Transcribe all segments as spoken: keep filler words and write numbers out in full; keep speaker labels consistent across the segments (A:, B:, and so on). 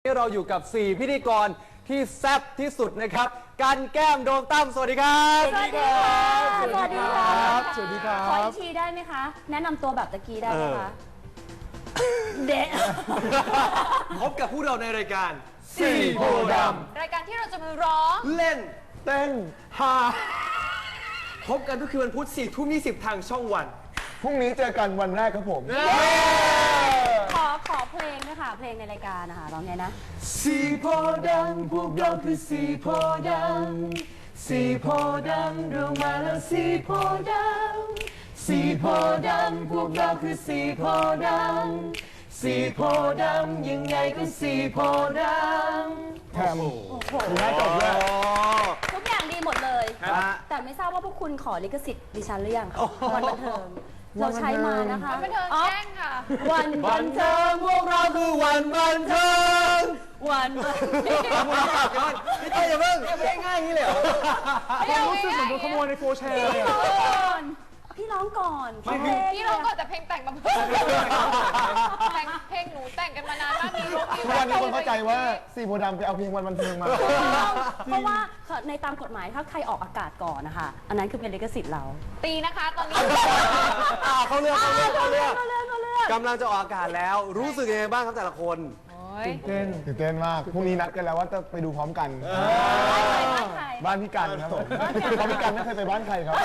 A: เราอยู่กับสี่พิธีกรที่แซ่บที่สุดนะครับกันแก้มโดมตั้มสวัสดีครับ
B: สวัสดีครับสวัสดีครับ
A: สวัสดีครับ
B: ขออีกทีได้ไหมคะแนะนำตัวแบบตะกี้ได้ไหมคะเด็ก
A: พบกับผู้เราในรายการสี่โพธิ์ด
B: ำรายการที่เราจะมาร้อง
A: ำเล่นเต้นฮาพบกันทุกคืนวันพุธสี่ทุ่มยี่สิบทางช่องวัน
C: พรุ่งนี้เจอกันวันแรกครับผม
B: ขอขอเพลงนะคะเพลงในรายการนะคะร้องไงนะ
C: สี่โพธิ์ดำพวกเราคือสี่โพธิ์ดำสี่โพธิ์ดำเรามาแล้วสี่โพธิ์ดำสี่โพธิ์ดำพวกเราคือสี่โพธิ์ดำสี่โพธิ์ดำยังไงก็สี่โพธิ์ดำแถมน่าจบเลย
B: ทุกอย่างดีหมดเลยแต่ไม่ทราบว่าพวกคุณขอลิขสิทธิ์ดิฉันหรือยังวันบันเทิงเราใช้มานะคะ
D: วันบันเทิงแจ้งค่ะ
B: วันบันเทิง
A: พวกเราคือวันบันเทิง
B: วันบันเทิง
A: พี่ต้อยอย่าเพิ่งไม่ง่ายอย่างนี้เลยเหรอ
C: รู้สึกเหมือนโดนขโมยในโฟร์แชร์เลย
B: พี่ร้องก่อน
D: พี่ร้องก่อนแต่เพลงแต่งมาเพิ่มแต่งเพลงหนูแต่งกันมานานมากมีร้อง
C: ทุกวันนี้คนเข้าใจว่าสี่โพธิ์ดำไปเอาเพลงวันบันเทิงมา
B: เพราะว่าในตามกฎหมายถ้าใครออกอากาศก่อนนะคะอันนั้นคือเป็นลิขสิทธิ์เรา
D: ตีนะคะตอนนี้
A: เขาเลือกเขาเลือกเขาเลือกกำลังจะออกอากาศแล้วรู้สึกยังไงบ้างครับแต่ละคน
C: ตื่นเต้นตื่นเต้นมากพรุ่งนี้นัดกันแล้วว่าจะไปดูพร้อมกันบ้านพี่กันครับผมเพราะพี่กันไม่เคยไปบ้านใครครับ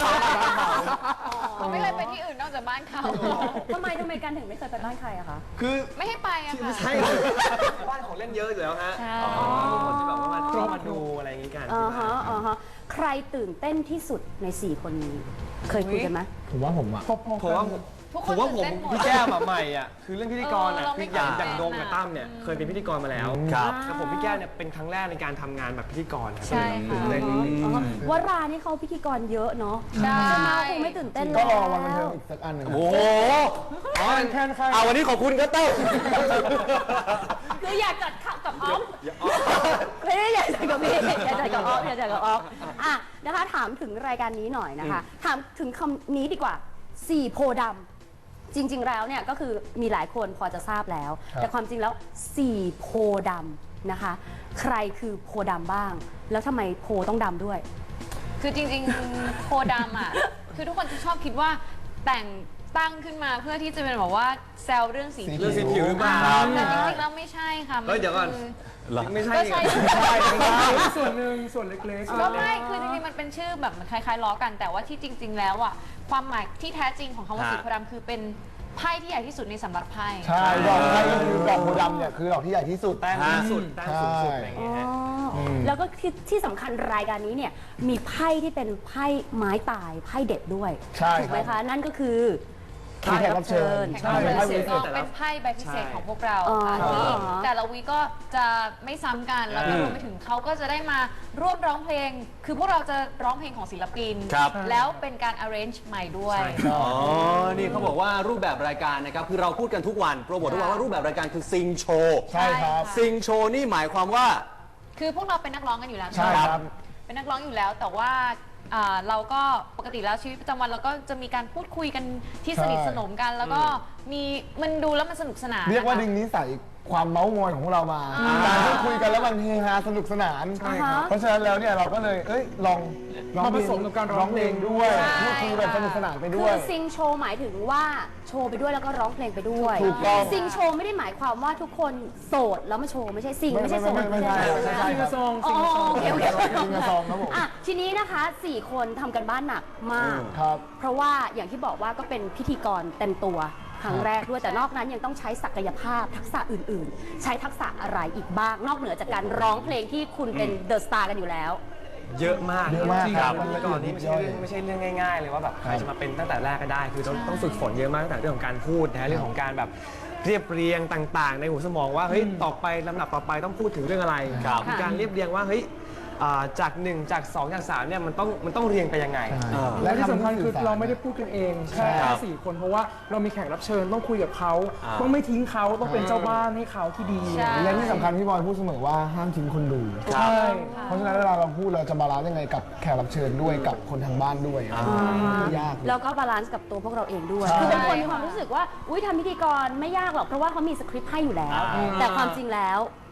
D: เขาไม่เคยไปที่อื่นนอกจากบ้านเขา
B: ทำไมทำไมกันถึงไม่เคยไปบ้านใครอะคะ
A: คือ
D: ไม่ให้ไปอะค่ะ
A: ใช่บ้านของเล่นเยอะอยู่แล้วฮะคนที่แบบว่ามาเข้ามาดูอะไรอย่างงี้กัน
B: อ๋อฮะอ๋อฮะใครตื่นเต้นที่สุดในสี่คนนี้เคยคุยกันไหม
C: ผมว่าผมอะ
A: ผมว่าผมว่าผมพี่แก้มอะใหม่อ่ะคือเรื่องพิธีกรอ่ะคืออย่างอย่างโดมกับตั้มเนี่ยเคยเป็นพิธีกรมาแล้ว
B: ครับ
A: แต่ผมพี่แก้มเนี่ยเป็นครั้งแรกในการทำงานแบบพิธีกร
D: ใช่ค่ะ
B: วรานี่เขาพิธีกรเยอะเนาะ
D: ใช่
B: ไหมคงไม่ตื่นเต้นเลย
C: ก็รอวันบันเทิงอีกสักอันหนึ่ง
A: โอ้โห
C: แค่ใคร
A: เอาวันนี้ขอบคุณก็ตั้ม
B: คืออยากจัดกับออฟไม่ได้อยากจัดกับพี่อยากจัดกับออฟอยากจัดกับออฟอ่ะนะคะถามถึงรายการนี้หน่อยนะคะถามถึงคำนี้ดีกว่าสี่โพธิ์ดำจริงๆแล้วเนี่ยก็คือมีหลายคนพอจะทราบแล้วแต่ความจริงแล้วสี่โพธิ์ดำนะคะใครคือโพธิ์ดำบ้างแล้วทำไมโพต้องดำด้วย
D: คือจริงๆโพธิ์ดำอ่ะคือทุกคนจะชอบคิดว่าแต่งตั้งขึ้นมาเพื่อที่จะเป็นแบบว่าแซวเรื่องสี
A: เรื่องสีผิวหรือเปล่า
D: แต่จริงๆแล้วไม่ใช่ค่ะ
A: เดี๋ยวก่อนไม่ใช่
D: ใช่
C: ส่วนหนึ่งส่วนเล็ก
D: ๆก็ไม่คือจริงๆมันเป็นชื่อแบบคล้ายๆล้อกันแต่ว่าที่จริง ๆแล้วอ่ะความหมายที่แท้จริงของคำว่าสีโพธิ์ดำคือเป็นไพ่ที่ใหญ่ที่สุดในสำรับไพ่
C: ใช่ดอกไพ่คือดอกโพธิ์ดำเนี่ยคือดอกที่ใหญ่ที่สุด
A: แต้มที่สุดแต้มสูงสุดอะไรอย่างเงี้ย
B: แล้วก็ที่ที่สำคัญรายการนี้เนี่ยมีไพ่ที่เป็นไพ่ไม้ตายไพ่เด็ดด้วยถูกไหมคะนั่นก็คือ
C: แขกรับเชิญ
D: ใช่เป็นไพ่ใบพิเศษของพวกเราค่ะที่แต่ละวีก็จะไม่ซ้ำกันแล้วก็รวมไปถึงเขาก็จะได้มาร่วมร้องเพลงคือพวกเราจะร้องเพลงของศิลปินแล้วเป็นการ arrange ใหม่ด้วย
A: อ๋อนี่เขาบอกว่ารูปแบบรายการนะครับคือเราพูดกันทุกวันโปรโมททุกวันว่ารูปแบบรายการคือซิงโชว์
C: ใช่ครับ
A: ซิงโชว์นี่หมายความว่า
D: คือพวกเราเป็นนักร้องกันอยู่แล้ว
C: ใช่ครับ
D: เป็นนักร้องอยู่แล้วแต่ว่าเราก็ปกติแล้วชีวิตประจำวันเราก็จะมีการพูดคุยกันที่สนิทสนมกันแล้วก็มีมันดูแล้วมันสนุกสนาน
C: เรียกว่าดึงนิสัยความเม้ามอยของเรามาการพูดคุยกันแล้วมันเฮฮาสนุกสนานเพราะฉะนั้นแล้วเนี่ยเราก็เลยเอ้ยลองมาผสมกับการร้องเพลงด้วยพูดคุยแบบสนุกสนานไปด้วย
B: คือซิงโชว์หมายถึงว่าโชว์ไปด้วยแล้วก็ร้องเพลงไปด้วย
C: ถูกต้อง
B: ซิงโชว์ไม่ได้หมายความว่าทุกคนโสดแล้วมาโชว์ไม่ใช่ซิงไม่ใช่โสด
C: ไม่ใช่ซิงกระซอง
B: ซิงกระซองซิ
C: งกระซองครับผม
B: อ่ะทีนี้นะคะสี่คนทำกันบ้านหนักมากเพราะว่าอย่างที่บอกว่าก็เป็นพิธีกรเต็มตัวครั้งแรกด้วยแต่นอกนั้นยังต้องใช้ศักยภาพทักษะอื่นๆใช้ทักษะอะไรอีกบ้างนอกเหนือจากการร้องเพลงที่คุณเป็นเดอะสตาร์กันอยู่แล้ว
A: เยอะมาก
C: เยอะมาก
A: ครับแล้วก็นี่ไม่ใช่เรื่องไม่ใช่เรื่องง่ายๆเลยว่าแบบใครจะมาเป็นตั้งแต่แรกก็ได้คือต้องต้องฝึกฝนเยอะมากตั้งแต่เรื่องของการพูดนะเรื่องของการแบบเรียบเรียงต่างๆในหัวสมองว่าเฮ้ยต่อไปลำดับต่อไปต้องพูดถึงเรื่องอะไรการเรียบเรียงว่าเฮ้ยจากหนึ่งจากสองจากสามเนี่ยมันต้องมันต้องเรียงไปยังไง
C: และที่สำคัญคือเราไม่ได้พูดกันเองแค่สี่คนเพราะว่าเรามีแขกรับเชิญต้องคุยกับเขาต้องไม่ทิ้งเขาต้องเป็นเจ้าบ้านให้เขาที่ดีและที่สำคัญพี่บอยพูดเสมอว่าห้ามทิ้งคนดูใช่เพราะฉะนั้นเวลาเราพูดเราจะบาลานซ์ยังไงกับแขกรับเชิญด้วยกับคนทางบ้านด้วยยาก
B: แล้วก็บาลานซ์กับตัวพวกเราเองด้วยคือเป็นคนมีความรู้สึกว่าอุ้ยทำพิธีกรไม่ยากหรอกเพราะว่าเขามีสคริปต์ให้อยู่แล้วแต่ความจริงแล้ว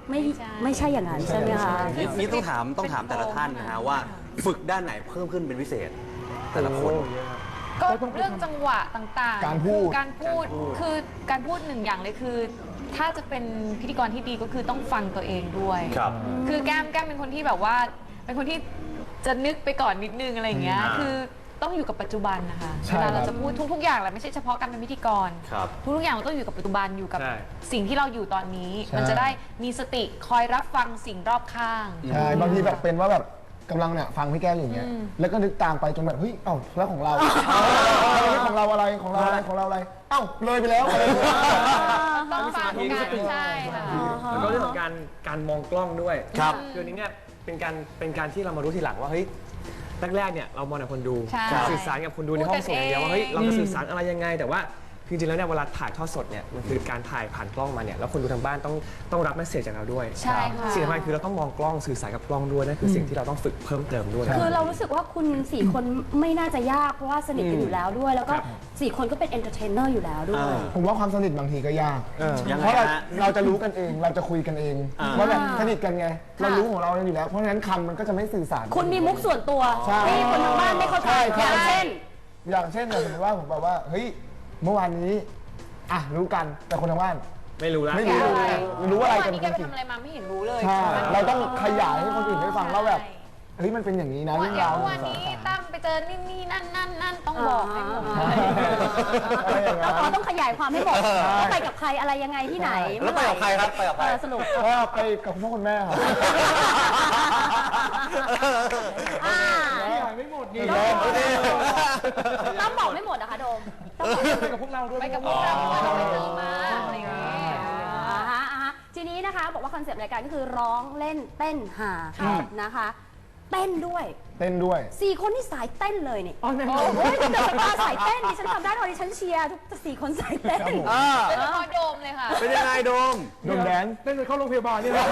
B: ไม่ไม่ใช่อย่างนั้นใช่ไหมคะ
E: นี่นี่ต้องถามต้องถามแต่ละท่านนะฮะว่าฝึกด้านไหนเพิ่มขึ้นเป็นพิเศษ แต่ละคน
D: ก็เรื่องจังหวะต่างๆ
C: การพูด
D: คือการพูดคือการพูดหนึ่งอย่างเลยคือ ถ้าจะเป็นพิธีกรที่ดีก็คือต้องฟังตัวเองด้วย
E: ครับ
D: คือแก้มแก้มเป็นคนที่แบบว่า เป็นคนที่จะนึกไปก่อนนิดนึงอะไรอย่างเงี้ย
E: อ่า
D: คือต้องอยู่กับปัจจุบันนะคะ
C: ใช่
D: เวลาเรา
C: ครับ
D: จะพูดทุกๆอย่างแหละไม่ใช่เฉพาะการเป็นพิธีกร
E: ครับ
D: ทุกๆอย่างเราต้องอยู่กับปัจจุบันอยู่กับ
A: ใช่
D: สิ่งที่เราอยู่ตอนนี้
C: ใช่
D: มันจะได้มีสติคอยรับฟังสิ่งรอบข้าง
C: ใช่บางทีแบบเป็นว่าแบบกำลังเนี่ยฟังพี่แก้วอยู่เงี้ยแล้วก็นึกตามไปจนแบบเฮ้ยเอ้าแล้วของเราเฮ้ยของเราอะไรของเราอะไรของเราอะไรเอ้าเลยไปแล้วอะไรอย่างเงี้ย
D: ต้องฟังกันใช่ค่ะ
A: แล้วก็เรื่องของการการมองกล้องด้วย
E: ครับ
A: คืออันนี้เนี่ยเป็นการเป็นการที่เรามารู้ทีหลังว่าเฮ้ยแรกๆเนี่ยเรามองแต่คนดู
D: ใช่
A: สื่อสารกับคนดูในห้องส่งอย่างเดียวว่าเฮ้ยเราจะสื่อสารอะไรยังไง แต่ว่าจริงๆแล้วเนี่ยเวลาถ่ายทอดสดเนี่ยมันคือการถ่ายผ่านกล้องมาเนี่ยแล้วคนดูทางบ้านต้องต้องรับเมสเซจจากเราด้วย
D: ใช่ค่ะ
A: สิ่งสำคัญคือเราต้องมองกล้องสื่อสารกับกล้องด้วยนั่นคือสิ่งที่เราต้องฝึกเพิ่มเติมด้วย
B: คือเรารู้สึกว่าคุณสี่คนไม่น่าจะยากเพราะว่าสนิทกันอยู่แล้วด้วย แล้วก็สี่คนก็เป็นเอนเตอร์เทนเนอร์อยู่แล้วด้วย
C: ผมว่าความสนิทบางทีก็ยาก
E: ยังไง
C: เพราะเรา
E: ฮะ
C: เราจะรู้กันเองเราจะคุยกันเอง
E: อ่า
C: ว่าแบบสนิทกันไง เรารู้ของเราอยู่แล้ว เพราะฉะนั้นคำมันก็จะไม่สื่อสาร
B: คุณมีมุกส่วนตัว
C: ใช่
B: ที่คนทางบ้านไม่เข้าใจ
C: ใช่
B: อย่างเช่น
C: อย่างเช่นแบบสมมติว่าผมแบบว่าเฮ้ยเมื่อวานนี้อ่ะรู้กันแต่คนทางบ้าน
A: ไม่รู้แล้ว
C: ไม่รู้เลยรู้อะไรกัน
D: วันนี้
C: จ
D: แกไป
C: ริง
D: ทำอะไรมาไม่เห็นรู้เลย
C: ๆใช่เราต้องขยายให้คนอื่นได้ฟังว่าแบบเฮ้ยมันเป็นอย่างนี้นะ
D: ว่า
C: เรื่อง
D: เดี๋ยว
C: ราว
D: วันนี้ตั้มไปเจอนี่นี่นั่นนั่นนั่นต้องบอกให้หมด
C: อะไรอย่างเงี้ย
B: อ๋อต้องขยายความให้หมดว่าไปกับใครอะไรยังไงที่ไหน
E: แล้วไปกับใครครับไปกับใคร
B: เออสรุป
C: ก็ไปกับคุณพ่อคุณแม่ครับ
B: อ่า
C: ไม่หมดดี
B: ต้องบอกไม่หมดนะคะโดมต้องบอก
C: ไปกับพวกเราด้วย
D: ไปกับพวกเราเราไปเจอมาอะไรอย่างเงี้ย
B: อ่าฮะอ่าฮะทีนี้นะคะบอกว่าคอนเซปต์รายการก็คือร้องเล่นเต้นหานะคะ เต้นด้วย
C: เต้นด้วย
B: สี่คนที่สายเต้นเลยนี่
C: อ๋อแน่น
B: โอ้
C: อน
B: โหเดอะสตาร์สายเต้นดิฉันทำได้ตอนดิฉันเชียร์ทุกสี่คนสายเต้น
E: อ่า
D: เป็นละครโดมเลยค่ะ
E: เป็นยังไงโดม
C: โดนแดนเต้นจนเข้าโรงพยาบาลนี่แหละ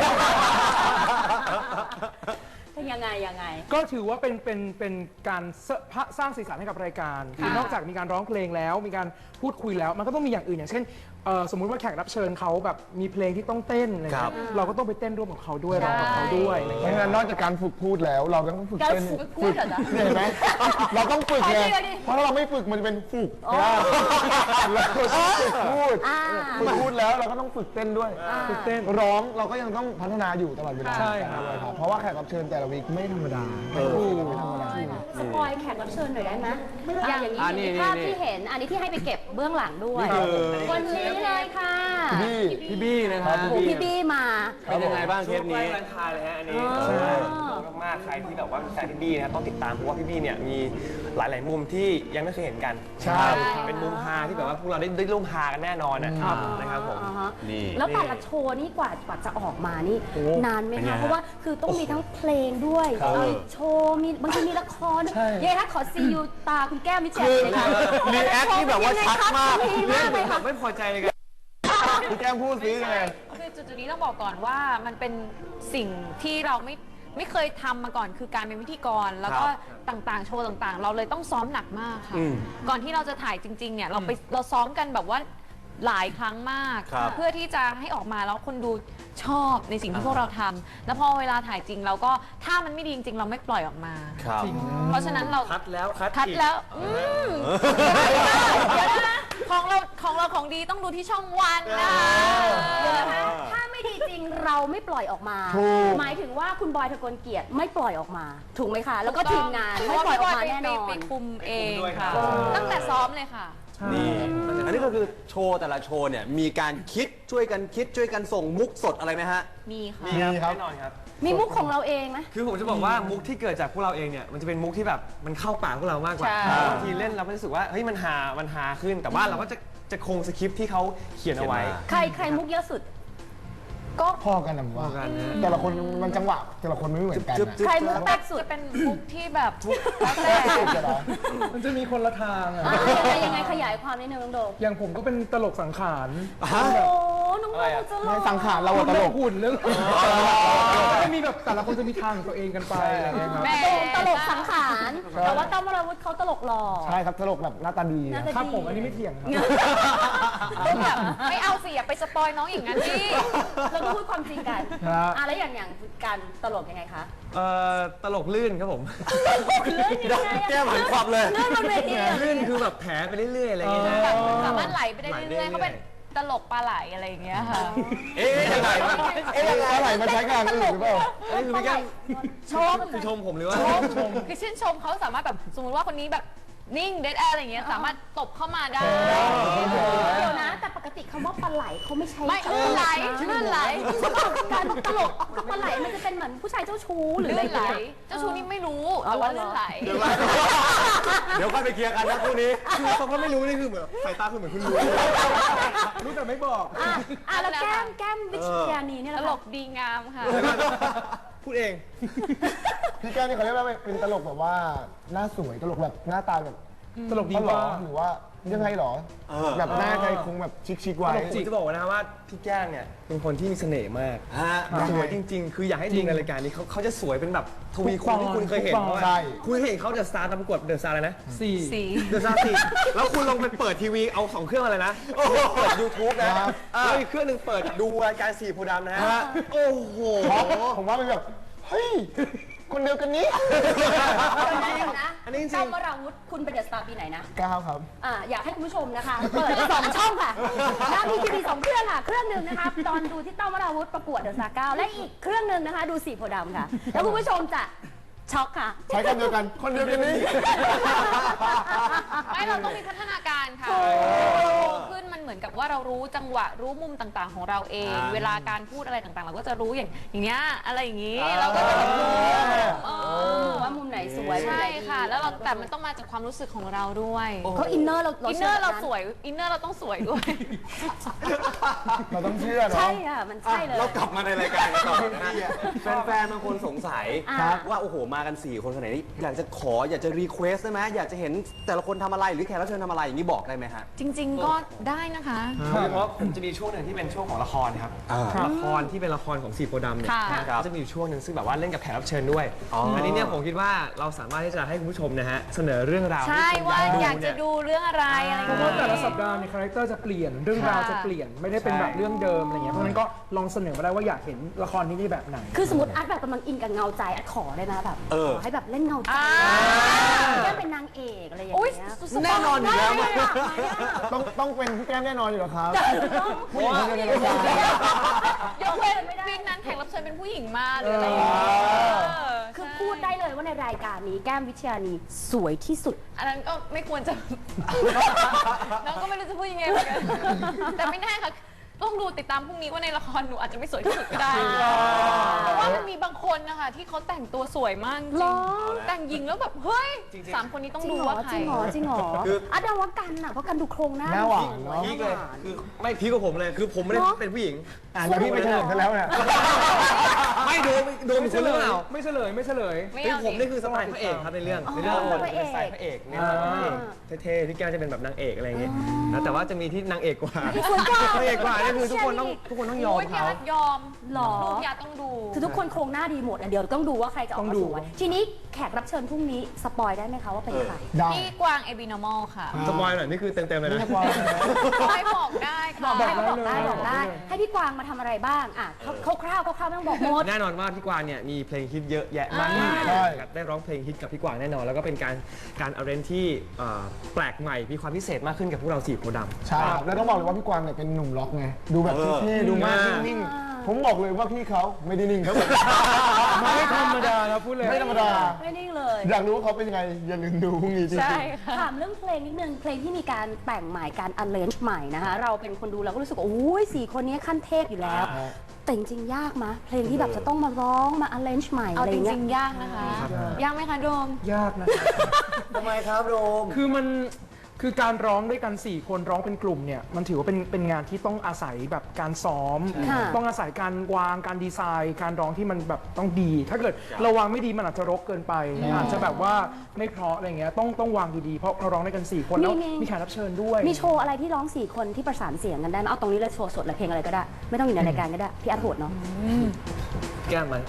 B: เป็นยังไงยังไง
F: ก็ถือว่าเป็นเป็นเป็นการสร้างสร้างสีสันให้กับรายการคือนอกจากมีการร้องเพลงแล้วมีการพูดคุยแล้ว มันก็ต้องมีอย่างอื่นอย่างเช่นเอ่อสมมุติว่าแขกรับเชิญเขาแบบมีเพลงที่ต้องเต้นอะไร
E: ครั
F: เงี้
E: บ
F: ยเราก็ต้องไปเต้นร่วมกับเขาด้วยร้องกับเขาด้วยอะไร
C: เพราะ
F: เงี้ย
C: ฉะนั้นนอกจากการฝึกพูดแล้ว เราก็ต้องฝึกเต้น
B: การฝึกพูดเหรอจ๊ะ
C: เห็นไหมเราต้องฝึกไง
B: ขอชื่อดิ
C: เพราะถ้าเราไม่ฝึกมันจะเป็นฝึกนะเราต้องฝึกพูด
B: อ่า
C: ฝึกพูดแล้วเราก็ต้องฝึกเต้นด้วย
F: ฝึกเต้น
C: ร้องเราก็ยังต้องพัฒนาอยู่ตลอดเวลา
F: ใช่ครับ
C: ครับเพราะว่าแขกรับเชิญแต่ละวีคไม่ธรรมดาไม่ธรรมดา
B: สปอยแขกรับเชิญหน่อยได้ไหมอย่างอย่างนี้
E: อ่านี่
B: มีภาพ
E: นี่
B: ที่เห็น อันนี้ที่ให้ไปเก็บเบื้องหลังด้วย
C: นี่คือ
B: วันนี้เลยค่ะ
C: พี่
E: พี่บี้นะครับ
B: โอ้โหพี่บี้มา
E: เป็นยังไงบ้างเทปนี้
A: ใกล้วาเลนไทน์เลยฮะอันนี้
B: อ๋อ
A: ใช่มากๆใครที่แบบว่าเป็นแฟนพี่บี้นะครับต้องติดตามเพราะว่าพี่บี้เนี่ยมีหลาย ๆ มุมที่ยังไม่เคยเห็นกัน
C: ใช่
A: เป็นมุมฮาที่แบบว่าพวกเราได้ได้ร่วมฮากันแน่นอนนะครับนะครับผม
B: อ่าฮะ
E: นี่
B: แล้วแต่ละโชว์นี่กว่ากว่าจะออกมานี่นานไหม
E: เป็นไง
B: คะ
E: ฮะ
B: เพราะว่าคือต้องมีทั้งเพลงด้วย
E: ครับ
B: เอ่อโชว์มีบางทีมีละครเย้คะขอซียูตาคุณแก้มมิเชล
E: คือ
B: เลยค่ะ
E: รีแอคที่แบบว่าชัดมาก
B: ดีมากเลยค่ะ
A: ไม่พอใจเลยกัน
C: พี่แก้มพูดซิยังไง
D: คือจุดๆนี้ต้องบอกก่อนว่ามันเป็นสิ่งที่เราไม่ไม่เคยทำมาก่อนคือการเป็นพิธีกร แล้วก็ต่างๆ โชว์ต่างๆ เราเลยต้องซ้อมหนักมากค่ะ
E: อืม
D: ก่อนที่เราจะถ่ายจริงๆเนี่ยเราไปเราซ้อมกันแบบว่าหลายครั้งมาก
E: ครับ
D: เพื่อที่จะให้ออกมาแล้วคนดูชอบในสิ่งที่พวกเราทำแล้วพอเวลาถ่ายจริงเราก็ถ้ามันไม่ดีจริงๆ เราไม่ปล่อยออกมา
E: ครับ
D: เพราะฉะนั้นเรา
A: คัดแล้วคัด
D: คัด
A: อีก
D: แล้วอืมเดี๋ยวนะของเราของเราของดีต้องดูที่ช่องวันนะ
B: เดี๋ยวนะคะถ้าไม่ดีจริงเราไม่ปล่อยออกมา
C: ถูก
B: หมายถึงว่าคุณบอยทะกลเกียรติไม่ปล่อยออกมา ถูกไหมคะ แล้วก็ทีมงานไม่ปล่อยออกมาแน่นอน
D: ไปคุมเองค่ะ
A: ไปคุมด้วยครับ
D: ตั้งแต่ซ้อมเลยค่ะ
E: นี่อันนี้ก็คือโชว์แต่ละโชว์เนี่ยมีการคิดช่วยกันคิดช่วยกันส่งมุกสดอะไรไหมฮะ
D: มีค่ะ
A: มีครับ
C: มีครับ
A: แน่นอนครับ
B: มีมุกของเราเองไหม
A: คือผมจะบอกว่ามุกที่เกิดจากพวกเราเองเนี่ยมันจะเป็นมุกที่แบบมันเข้าปากพวกเรามากกว่า
D: ใช่
A: บางทีเล่นเราก็รู้สึกว่าเฮ้ยมันฮามันฮาขึ้น แต่ว่าเราก็จะจะคงสคริปต์ที่เขาเขียนเอาไว้
E: เขียนมา
B: ใครใครมุกเยอะสุด
C: ก็พอกันนะผมว่า
A: พอกันนะ
C: แต่ละคนมันจังหวะแต่ละคนไม่เหมือนกัน
A: จึ๊บ
C: นะ
A: จึ๊บ
B: ใครมุกแป๊กสุด
D: จะเป็นมุกที่แบบแล้ว
C: แร
D: แต่
C: กสุดจะเหรอ
F: มันจะมีคนละทางอะ
B: อ่ายังไงยังไงขยายความนิดนึงน้องโดม
F: อย่างผมก็เป็นตลกสังขาร
B: โอ้น้องโดมจะหล่อ
C: ในสังขารเราอะตลก
F: หุ่นเรื่อง
C: เ
F: จะมีแบบแต่ละคนจะมีทางของตัวเองกันไปอะไรอย่างเงี้ยครับ
D: แม่
B: ตลกสังขารแต่ว่าต้อมวราวุธเขาตลกหล่อ
C: ใช่ครับตลกแบบหน้าตาดี
B: น่าจะ
F: ครับ
B: ดี
F: ผมอันนี้ไม่เถียงครับ
D: ต้องแบบไม่เอาสิอย่าไปสปอยน้องอย่างนั้นดิ
B: เราก็พูดความจริงกัน
C: ครับ
B: อ่ะแล้วอย่างอย่างการตลกยังไงคะ
A: เอ่อตลกลื่นครับผม
B: เลื่อนยังไงอะ
E: แก้มหันควับเลย
B: เลื่อนบนเวทีอะ
A: ลื่นคือแบบแผลไปเรื่อยๆอะไรอย่างเงี้ยนะ
D: แบบสามารถไหลไปได้
A: ไหลไป
D: เรื่อยๆ
A: เรื่อยๆ
D: เขาเป็นตลกปลาไหลอะไรอย่างเงี้ยค่ะ
E: เอ๊ะยังไงวะ
C: เอ๊ะอะไรมาใช้งานอื่นหรือเปล่า
A: อันนี้คือพี่แก้ม
B: ชม
A: คือชมผมหรือว่า
D: คือชื่นชมเขาสามารถแบบสมมติว่าคนนี้แบบนิ่งเดดแอร์อะไรอย่างเงี้ยสามารถตบเข้ามาได้
B: เดี๋ยวนะ แต่ปกติคำว่าปลาไหลเขาไม่ใช้
D: ไม่
B: คำว่า
D: ลื่นไหล
B: นะ
D: ลื่นไหล
B: การตลกกับปลาไหลมันจะเป็นเหมือนผู้ชายเจ้าชู้หรืออะไร
D: ลื่นไหล
B: อย่างเงี้ย
D: เจ้าชูนี่ไม่รู้
B: อ๋อ
D: แต่ว่า
B: เหรอ
D: ลื่นไหล
E: เดี๋ยวค่อยไปเคลียร์กันนะคู่นี้
A: คือเขาก็ไม่รู้นี่คือเหมือนสายตาคือเหมือนคุณรู้
F: รู้แต่ไม่บอก
B: อ่ะอ่ะแล้วแก้มแก้มวิชญานีเนี่ย
D: ต
B: แหละ
D: ล
B: ค่ะ
D: กดีงามค่ะ
A: พูดเอง
C: พี่แก้วนี่เขาเรียกว่าเป็นตลกแบบว่าหน้าสวยตลกแบบหน้าตาแบบ
F: ตลกดี
C: เขาหรอ
F: ว่า
C: หรือว่ายังไงหรอ
E: เออ
C: แบบหน้าใครคงแบบชิคๆไว้
A: ผมจะบอกนะครับว่าพี่แก้มเนี่ยเป็นคนที่มีเสน่ห์มาก
E: ฮะ
A: สวยจริง ๆ คืออยากให้ดูในรายการนี้เขาเขาจะสวยเป็นแบบทวีคูณที่คุณเคยเห็น
F: ทุกตอน
A: ว่า
C: ใช่
A: คุณเคยเห็นเขาเดอะสตาร์ตามประกวดเดอะสตาร์อะไรนะ
F: สี่
D: สี
A: เดอะสตาร์สี่แล้วคุณลองไปเปิดทีวีเอาสองเครื่องอะไรนะเปิดยูทูบนะแล้วอีกเครื่องหนึ่งเปิดดูรายการสี่โพธิ์ดำนะฮะโอ้โห
C: ผมว่าเป็นแบบเฮ้ยคนเดียวกันนี้
B: เดี๋ยวนะ
A: อันนี้จริง
B: ต้อมวราวุธคุณเป็นเดอะสตาร์ปีไหนนะ
C: ก้าวครับ
B: อ่าอยากให้คุณผู้ชมนะคะ เปิดสองช่องค่ะนะมีทีวีสองเครื่องค่ะ เครื่องหนึ่งนะคะตอนดูที่ต้อมวราวุธประกวดเดอะสตาร์เก้าและอีกเครื่องหนึ่งนะคะ ดูสีโพธิ์ดำค่ะ แล้วคุณผู้ชมจะช็อกค่ะ
C: ใช้กันเดียวกัน คนเดียวกันนี้
D: ไม่เราต้องมีพัฒนาการค่ะโตขึ้นมันเหมือนกับว่าเรารู้จังหวะรู้มุมต่างๆ ของเราเอง เวลาการพูดอะไรต่างๆ เราก็จะรู้อย่างอย่างเงี้ยอะไรอย่างงี้เราก็จะแบบรู้เออ
B: ว่ามุมไหนสวย
D: ใช่
B: มุมไหนดี
D: ค่ะ แล้วเราแต่มันต้องมาจากความรู้สึกของเราด้วย
B: เขาอินเนอร์เรา
D: อินเนอร์เรา
B: ชื่
D: สวยอินเนอร์เราต้องสวยด้วย
C: เราต้องเชื่อเนาะ
B: ใช่ค่ะมันใช่เลย
E: เรากลับมาในรายการกันต่อนะฮะแฟนๆบางคนสงสัย
B: ครับ
E: ว่าโอ้โหมากันสี่คนขนาดนี้อยากจะขออยากจะรีเควสได้ไหมอยากจะเห็นแต่ละคนทำอะไรหรือแขกรับเชิญทำอะไรอย่างนี้บอกได้ไหมฮะ
D: จริง ๆ ก็ได้นะคะ
A: โดยเฉพาะผมจะมีช่วงหนึ่งที่เป็นช่วงของละครครับ
E: อ่า
A: ละครที่เป็นละครของสีโพธิ์ดำเนี่ย
D: ค่ะ
A: นะครับจะมีอยู่ช่วงหนึ่งซึ่งแบบว่าเล่นกับแขกรับเชิญด้วย
E: อ๋ออั
A: อันนี้เนี่ยผมคิดว่าเราสามารถที่จะให้คุณผู้ชมนะฮะเสนอเรื่องราว
D: ใช่
A: ที่คุณ
D: ว่าอยาก
A: เนี่
D: จะดูเรื่องอะไรอะไรอย่าง
F: เพราะว่า
D: เงี้ย
F: แต่ละสัปดาห์ในคาแรคเตอร์จะเปลี่ยนเรื่องราวจะเปลี่ยนไม่ได้เป็นแบบเรื่องเดิมอะไรเงี้ยเพราะฉะนั้นก็ลองเสนอมาได้ว่าอยากเห็นละครที่นี่แบบไหน
B: คือสมมติอาร์ตแบบกำลังอินกับเงาใจอาร์ตขอได้ไหมแบบ
E: เออ
B: ขอให้แบบเล่นเงาใจ
D: อ่า
B: แก้มเป็นนางเอกอะไรอย่าง
D: อุ้ย
B: เงี้ย
D: สุดๆ
E: แน่นอนอยู่แล้ว
B: ได้อะ
C: ต้องต้องเป็นพี่แก้มแน่นอนอยู่แล้วครับ
B: ต้อง
C: ผู้หญิงคนเดียวในรายการ
D: ยกเว้นวีคนั้นแขกรับเชิญเป็นผู้หญิงมาหรืออะไรอย่างเงี้ยเออ
B: คือพูดได้เลยว่าในรายการนี้แก้มวิชญานีสวยที่สุด
D: อันนั้นก็ไม่ควรจะ น้องก็ไม่รู้จะพูดยังไงเหมือนกันแต่ไม่แน่ค่ะ ต้องดูติดตามพรุ่งนี้ว่าในละครหนูอาจจะไม่สวยที่สุดก็ได้ เพราะว่ามันมีบางคนนะคะที่เขาแต่งตัวสวยมากจริ
B: หรง อ
D: แต่งหญิงแล้วแบบเฮ้ยสามคนนี้ต้อง
B: จริง
D: ดู
B: เหรอ
D: ว่าใคร
B: จริงเหรอจริงเหรอ
A: คือ
B: อาร์ตเดาว่ากันอ่ะเพราะกันดูโครงหน้า
C: หน้าหวานเนอะ
A: พีคเลยคือไม่พีคกว่าผมเลยคือผมไม่ได้
B: เนอะ
A: เป็นผู้หญิง
C: อ่านแล้วพี่ไปเฉลยกันแล้วเนี่ย
A: ไม่โดนโดน
F: ไม่
A: ค
F: เฉ
A: น
F: ล
A: เรื่อง
F: ย
A: เรา
F: ไม่เฉลยไม่เฉลย
D: ไม่
A: คือ
D: เอา
A: ผม
D: ดิ
A: นี่คือสไตล์พระเอกครับในเรื่องในเรื่อง
B: อ๋อ
A: ผม
B: พระเอก
A: เป็นสไตล์พระเอกเนี่ยพระเอกเท่ๆพี่แก้วจะเป็นแบบนางเอกอะไรอย่างเงี้ยนะแต่ว่าจะมีที่นางเอกกว่า
B: สวยกว่า
A: พระเอกกว่านี่คือทุกคนต้องทุกคนต้องยอม
D: โอ้ยพี่
A: เขา
D: อาร์ตยอม
B: หรอ
D: ดูพี่อาร์ตต้องดู
B: คือทุกคนโครงหน้าดีหมดอ่ะเดี๋ยวต้องดูว่าใครจะออก
F: ต้อ
B: มาง
F: ดู
B: สวยทีนี้แขกรับเชิญพรุ่งนี้สปอยได้ไหมคะว่าเป็นใคร
C: ได้
D: พี่กวางเอบินอมอลค่ะ
A: สปอยหน่อยนี่คือเต็มๆเลยนะ
D: ไม่บอกได้ค่ะ
B: บอกได้บอกได้
F: เลย
B: บอกได้
F: เลย
B: ให้พี่กวางมาทำอะไรบ้างอ่ะคร่าวๆคร่าวๆไม่ต้องบอกหมด
A: แน่นอนว่าพี่กวางเนี่ยมีเพลงฮิตเยอะแยะมากมาย
C: ใช่
A: นะครับได้ร้องเพลงฮิตกับพี่กวางแน่นอน แล้วก็เป็นการการอาร์เรนที่เอ่อแปลกใหม่มีความพิเศษมากขึ้นกับพวกเราสี่โพธิ์ดำ
C: ใช่ครับแล้วต้องบอกเลยว่าพี่กวางเนี่ยเป็นหนุ่มล็อกไงดูแบบเท่ๆดูมากนิ่งๆผมบอกเลยว่าพี่เขาไม่ได้นิ่งครับผม
F: ไม่ธรรมดานะพูดเลย
C: ไม่ธรรมดา
B: ไม่นิ่งเลย
C: อยากรู้ว่าเขาเป็นยังไงอย่าลืมดูพรุ่งนี้จริง
D: ใช่
C: ๆ
D: ค่ะ
B: ถามเรื่องเพลงนิดนึงเพลงที่มีการแต่งใหม่การ arrange ใหม่นะคะ เราเป็นคนดูเราก็รู้สึกว่าโอ้ยสี่คนนี้ขั้นเทพอยู่แล้ว แต่จริงๆยากมะเพลงที่แบบจะต้องมาร้องมา arrange ใหม่
D: เอา
B: อะไร
D: จ
B: เงี้
D: ริ
B: ย
D: งๆยากนะคะ ยากไหมคะโดม
F: ยากนะครับ
E: ทำไมครับโรม
F: คือมันคือการร้องด้วยกันสี่คนร้องเป็นกลุ่มเนี่ยมันถือว่าเป็นเป็นงานที่ต้องอาศัยแบบการซ้อม
B: ค่ะ
F: ต้องอาศัยการวางการดีไซน์ การร้องที่มันแบบต้องดี ถ้าเกิดเราวางไม่ดีมันอาจจะรกเกินไปอาจจะแบบว่าไม่เพราะอะไรเงี้ยต้องต้องวางดีๆเพราะเราร้องด้วยกันสี่คนแล้ว
B: มีมี
F: มีแขกรับเชิญด้วย
B: มีโชว์อะไรที่ร้องสี่คนที่ประสานเสียงกันได้ไหมเอาตรงนี้เลยโชว์สดเลยเพลงอะไรก็ได้ ไม่ต้องอยู่ในรายการก็ได้พี่อาร์ตโหดเนาะ
A: แก้มไหม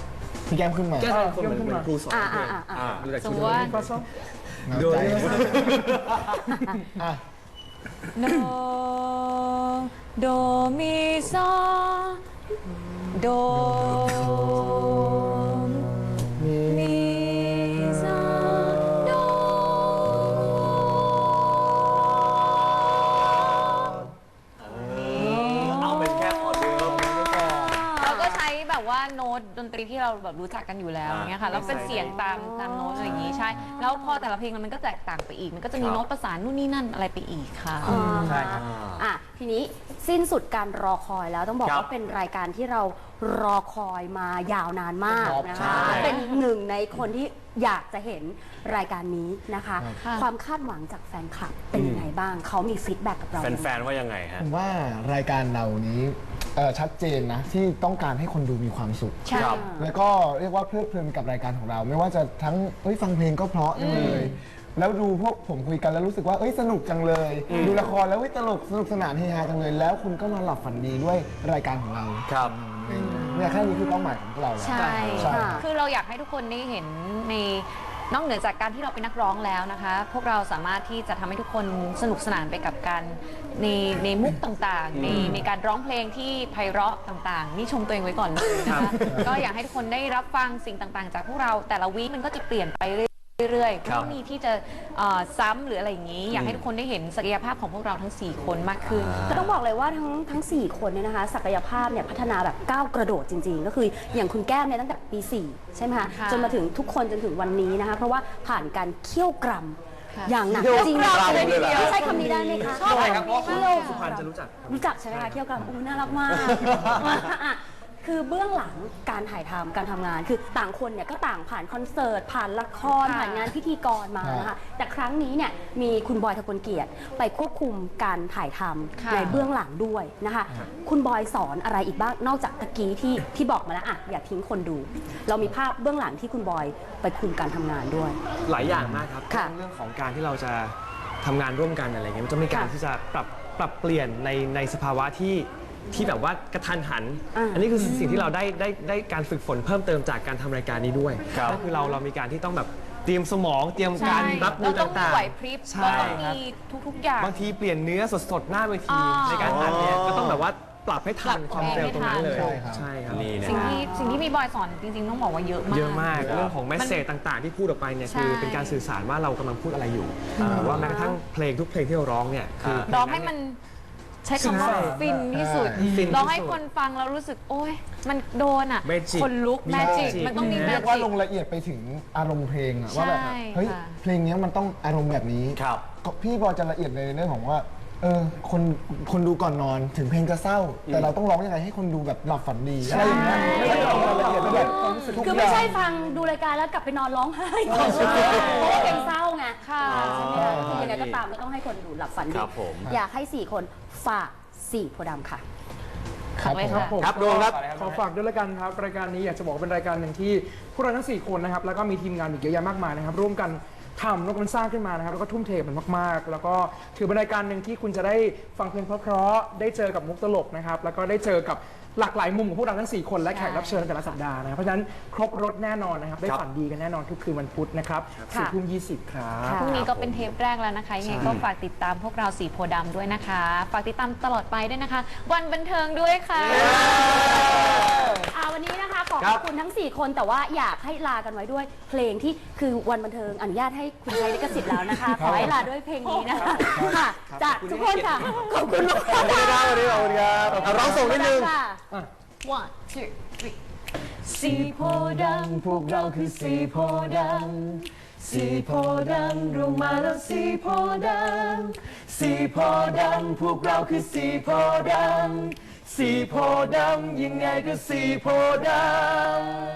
C: พี่แก้มขึ้นมา
A: แก้คนเหมือนเหมือนครูสอน
B: อ่า
A: เพล
B: อ่าง อ่า
A: อ่าดูจาก
D: ส
A: ชุ
D: ม
A: ด
D: มติว่า
F: ก็ซ้อม
C: โดย
D: โดโดมีซอโดมีซอโด
E: เอาเป็นแค่พอเดิม
D: เราก็ใช้แบบว่าโน้ตดนตรีที่เราแบบรู้จักกันอยู่แล้วอย่างเงี้ยค่ะแล้วเป็นเสียงตามตามโน้ตอะไรอย่างงี้ใช่แล้วพอแต่ละเพลงมันก็แตกต่างไปอีกมันก็จะมีโน้ตประสานนู่นนี่นั่นอะไรไปอีกค่ะ
A: ใช่ครับ
B: อ่ะทีนี้สิ้นสุดการรอคอยแล้วต้องบอก
E: ครับ
B: ว่าเป็นรายการที่เรารอคอยมายาวนานมาก
E: ครับ
B: นะ
E: ใช่
B: คะเป็นหนึ่งในคนที่อยากจะเห็นรายการนี้นะคะ
D: ค่ะ
B: ความคาดหวังจากแฟนคลับเป็นยังไงบ้างเขามีฟีดแบ็กกับเรายังไง
E: แฟนๆว่ายังไงฮะ
C: ผมว่ารายการเรานี้เอ่อชัดเจนนะที่ต้องการให้คนดูมีความสุข
B: ใช่
E: ครับ
C: แล้วก็เรียกว่าเพลิดเพลินกับรายการของเรา ไม่ว่าจะทั้งเอ้ยฟังเพลงก็เพราะจังเลย แล้วดูพวกผมคุยกันแล้วรู้สึกว่าเอ้ยสนุกจังเลย ดูละครแล้วเอ้ยตลกสนุกสนานเฮฮาจังเลย แล้วคุณก็นอนหลับฝันดีด้วยรายการของเรา
E: ครับ
C: เนี่ยแค่นี้คือเป้าหมายของพวกเราแล้ว
B: ใช่
C: ใช่
B: ค่ะ
D: คือเราอยากให้ทุกคนได้เห็นในนอกเหนือจากการที่เราเป็นนักร้องแล้วนะคะ พวกเราสามารถที่จะทำให้ทุกคนสนุกสนานไปกับการในในมุกต่างๆ ในในการร้องเพลงที่ไพเราะต่างๆ นี่ชมตัวเองไว้ก่อนเลยนะคะก็อยากให้ทุกคนได้รับฟังสิ่งต่างๆ จากพวกเราแต่ละวีคมันก็จะเปลี่ยนไปเรื่อยๆ
E: ครับ
D: ไม่มีที่จะเอ่อซ้ำหรืออะไรอย่างนี้ อยากให้ทุกคนได้เห็นศักยภาพของพวกเราทั้งสี่คนมากขึ้น
B: ก็ต้องบอกเลยว่าทั้งทั้งสี่คนเนี่ยนะคะศักยภาพเนี่ยพัฒนาแบบก้าวกระโดดจริงๆ ก็คืออย่างคุณแก้มเนี่ยตั้งแต่ปีสี่ใช่ไหมคะ
D: ค่ะ
B: จนมาถึงทุกคนจนถึงวันนี้นะคะเพราะว่าผ่านการเคี่ยวกรำ
D: ค่ะ
B: อย่างหนัก
E: เคี่ยว
B: จริง
E: กรำเลยเหรอ
B: ใช้คำนี้ได้ไหมคะ
A: ใช่ครับเพราะ
B: เคี่ยว
A: สุพรรณจะรู้จัก
B: รู้จักใช่ไหมคะเคี่ยวกรำอู้น่ารักมากอ่ะคือเบื้องหลังการถ่ายทำการทำงานคือต่างคนเนี่ยก็ต่างผ่านคอนเสิร์ตผ่านละคร
D: ค่ะ
B: ผ่านงานพิธีกรมานะคะแต่ครั้งนี้เนี่ยมีคุณบอยทะกลเกียรติไปควบคุมการถ่ายทำ
D: ค่ะ
B: ในเบื้องหลังด้วยนะคะ คุณบอยสอนอะไรอีกบ้างนอกจากตะกี้ที่ที่บอกมาแล้วอะอย่าทิ้งคนดู เรามีภาพเบื้องหลังที่คุณบอยไปคุมการทำงานด้วย
A: หลายอย่างมากครับ
B: ค่ะ
A: เรื่องของการที่เราจะทำงานร่วมกันอะไรเงี้ยมันจะมีการ
B: ค่ะ
A: ที่จะปรับปรับเปลี่ยนในในสภาวะที่ที่แบบว่ากระทันหัน
B: อ่า
A: อันนี้คือสิ่งที่เราได้ได้ได้การฝึกฝนเพิ่มเติมจากการทำรายการนี้ด้วย
E: ครับ
A: ก็คือเราเรามีการที่ต้องแบบเตรียมสมองเตรียมการรับมื
D: เรา
A: อ
D: ต้องมี
A: ต่าง
D: ไหวพริบ
A: ใช่
D: เราต้อง
A: ครับ
D: มีทุกๆอย่าง
A: บางทีเปลี่ยนเนื้อสดๆหน้าเวที
D: อ๋อ
A: ในการอัดเนี่ย
E: อ๋อ
A: ก็ต้องแบบว่าปรับให้ทัน
D: ปรับ
A: ความเร็วตรงนั้นเลย
C: ใช่ครับ
A: ใช่ครับ
E: นี่นะ
D: สิ่งที่สิ่งที่มีบอยสอนจริงๆต้องบอกว่าเยอะมาก
A: เยอะมาก
E: ครับ
A: เรื่องของแมสเซจต่างๆ ที่พูดออกไปเนี่ย
D: ใช่
A: คือเป็นการสื่อสารว่าเรากำลังพูดอะไรอยู่หรือว่าแม้กระทั่งเพลงทุกเพลงที่เราร้องเนี่ยคือ
D: ร้องให้มันใช้คำว่า
A: ใช่
D: ฟินที่สุด
A: ฟินที่สุด
D: ร้องให้คนฟังแล้วรู้สึกโอ๊ยมันโดนอ่ะ
A: Magic
D: คนลุก
A: มี
D: แมจิก
A: Magic
D: มันต้องมีแม
C: เรียก
D: จิ
C: ว่าก ลงละเอียดไปถึงอารมณ์เพลงอะว่าแบบ
D: ใช่
C: เฮ้ย
D: ค่ะ
C: เพลงนี้มันต้องอารมณ์แบบนี้
E: ครับ
C: ก็พี่บอยจะละเอียดในเรื่องของว่าเออคนคนดูก่อนนอนถึงเพลงจะเศร้า แต่เราต้องร้องยังไงให้คนดูแบบหลับฝันดีอะไรอย่างเงี้ยไม่ได้ลงรายละเอียดแบบทุก
B: คือ
C: อ
B: ไม่
C: ย่าง
B: ใช่ฟังดูรายการแล้วกลับไปนอนร้องไห้เพราะว่าเพลงเศร้าไง
D: ค่ะ
B: ใช่ไหมคะคือยังไงก็ตามก็ต้องให้คนดูหลับฝันดี
E: ครับผม
B: อยากให้สี่คนฝากสี่โพธิ์ดำค่ะ
C: ครับ
D: เลย
C: ผม
D: ค่ะ
F: ผม
E: ครับโดมครับ
F: ขอฝากด้วยละกันครับรายการนี้อยากจะบอกว่าเป็นรายการหนึ่งที่พวกเราทั้งสี่คนนะครับแล้วก็มีทีมงานอีกเยอะแยะมากมายนะครับร่วมกันทำแล้วก็มันสร้างขึ้นมานะครับแล้วก็ทุ่มเทมันมากๆ แล้วก็ถือเป็นรายการหนึ่งที่คุณจะได้ฟังเพลงเพราะๆได้เจอกับมุกตลกนะครับแล้วก็ได้เจอกับหลากหลายมุมของพวกเราทั้งสี่คนและแขกรับเชิญในแต่ละสัปดาห์นะครับเพราะฉะนั้นครบรถแน่นอนนะครับได้
E: ครับ
F: ฝันดีกันแน่นอนทุกคืนวันพุธนะครับ
B: ค่ะ
F: สี่ทุ่มยี่สิบครับ
D: พรุ่งนี้ก็เป็นเทปแรกแล้วนะคะยังไงก็ฝากติดตามพวกเราสีโพธิ์ดำด้วยนะคะ ฝากติดตามตลอดไปด้วยนะคะ วันบันเทิงด้วยค่ะ
B: อ่าวันนี้นะคะขอบ
E: ครับ
B: คุณทั้ง สี่ คนแต่ว่าอยากให้ลากันไว้ด้วยเพลงที่คือวันบันเทิงอนุญาตให้คุณใช้ลิขสิทธิ์แล้วนะคะ ขอให้ลาด้วยเพลงนี้นะคะค่ะจากทุกคนค่ะขอบคุณมาก
E: ขอบคุณครับวันนี้ขอบคุณครับเอาร้องส่งนิดนึง
B: ค่ะ
D: one two three
C: สีโพธิ์ดำพวกเราคือสีโพธิ์ดำสีโพธิ์ดำรวมมาแล้วสีโพธิ์ดำสีโพธิ์ดำพวกเราคือสีโพธิ์ดำสีโพธิ์ดำยังไงก็สีโพธิ์ดำ